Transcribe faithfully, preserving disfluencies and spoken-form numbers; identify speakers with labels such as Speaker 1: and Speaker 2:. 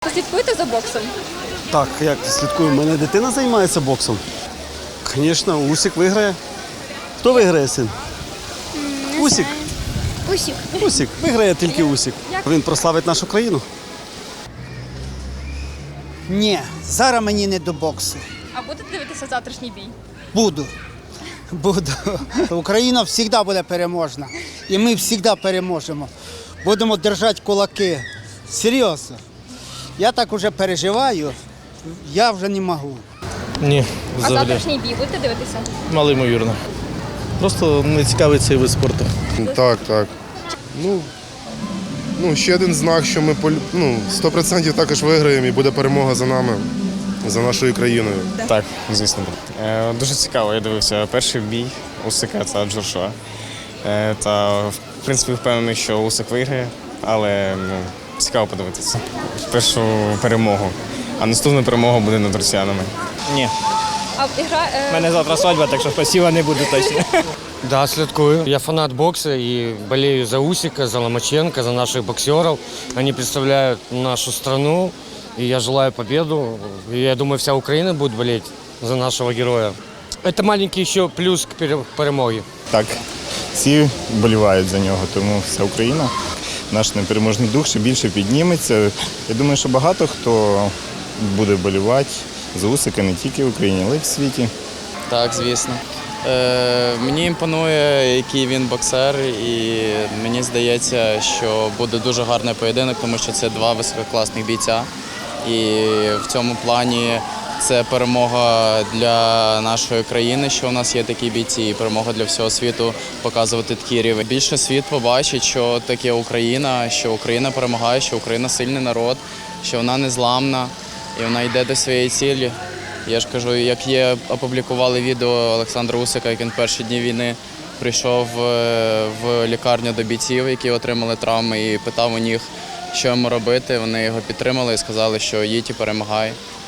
Speaker 1: слідкуєте за боксом?
Speaker 2: Так, як слідкую, у мене дитина займається боксом. Звісно, Усик виграє. Хто виграє, син? Усик.
Speaker 1: Усік.
Speaker 2: Усик. Виграє тільки Усик. Він прославить нашу країну.
Speaker 3: Ні, зараз мені не до боксу.
Speaker 1: А будете дивитися завтрашній бій?
Speaker 3: Буду. Буду. Україна завжди буде переможна. І ми завжди переможемо. Будемо держати кулаки. Серйозно. Я так вже переживаю, я вже не можу.
Speaker 4: Ні,
Speaker 1: А
Speaker 4: взагалі.
Speaker 1: завтрашній бій будете дивитися?
Speaker 4: Мало ймовірно. Просто не цікавий цей вид спорту.
Speaker 5: Так, так. Ну, ну ще один знак, що ми полю- ну, сто відсотків також виграємо і буде перемога за нами, за нашою країною.
Speaker 6: Так, звісно. Е, Дуже цікаво. Я дивився перший бій Усика та Джошуа. Е, Та, в принципі, впевнений, що Усик виграє, але ну, цікаво подивитися. Першу перемогу. А наступна перемога буде над росіянами.
Speaker 7: Ні.
Speaker 1: А гра...
Speaker 7: У мене завтра свадьба, так що спасіба не буде точно.
Speaker 8: Да, слідкую. Я фанат бокса и болею за Усика, за Ломаченко, за наших боксеров. Они представляют нашу страну, и я желаю победу. И я думаю, вся Украина будет болеть за нашего героя. Это маленький еще плюс к пере- перемоге.
Speaker 9: Так, всі вболівають за нього, тому вся Україна, наш непереможний дух ще більше підніметься. Я думаю, що багато хто буде вболівати за Усика не тільки в Україні, але й в світі.
Speaker 10: Так, звісно. Е, мені імпонує, який він боксер, і мені здається, що буде дуже гарний поєдинок, тому що це два висококласних бійця. І в цьому плані це перемога для нашої країни, що у нас є такі бійці, і перемога для всього світу показувати такий рівень. Більше світ побачить, що таке Україна, що Україна перемагає, що Україна сильний народ, що вона незламна і вона йде до своєї цілі. Я ж кажу, як є, опублікували відео Олександра Усика, як він в перші дні війни прийшов в лікарню до бійців, які отримали травми, і питав у них, що йому робити. Вони його підтримали і сказали, що їдь і перемагай.